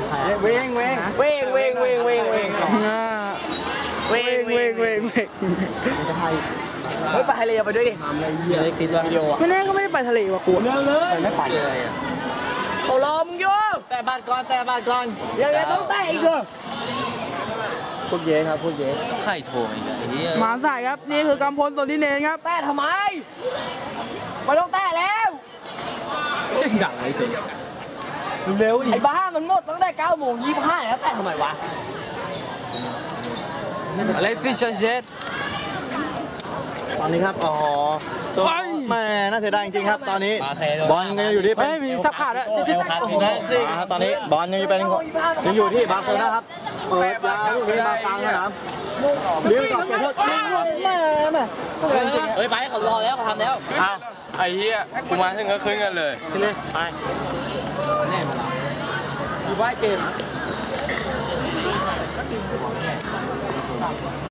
เว้งเฮ้ยไปทะเลไปด้วยดิไม่คิดว่าวิดีโออ่ะไม่แน่ก็ไม่ได้ไปทะเลว่ะกูเร็วเลยไม่ไปเลยเขารอมึงอยู่แต่บ้านก่อนยังไงต้องแต่อีกเหรอพวกเย้ครับพวกเย้ไข่โถงอีกแล้วมาสายครับนี่คือกำพลส่วนที่เนนครับแต่ทำไมไม่ต้องแต่แล้วเสียงดังเลยสิเร็วไอ้บ้ามันหมดตั้งแต่9:25แล้วแต่ทำไมวะเลสฟิชเชสตอนนี้ครับอ๋อแม่น่าเสียดายจริงๆครับตอนนี้บอลยังอยู่ที่เป็นมีสักขาดแล้วตอนนี้บอลยังอยู่ที่บาร์เซโลนะครับเปิดยาวลูกนี้มากลางสนามเลี้ยงกับเจ้าทศแม่เฮ้ยไปเขารอแล้วเขาทำแล้วอ้าวไอ้เหี้ยกูมาถึงก็ขึ้นกันเลยขึ้นเลยไปแน่มาอยู่บ้านเกม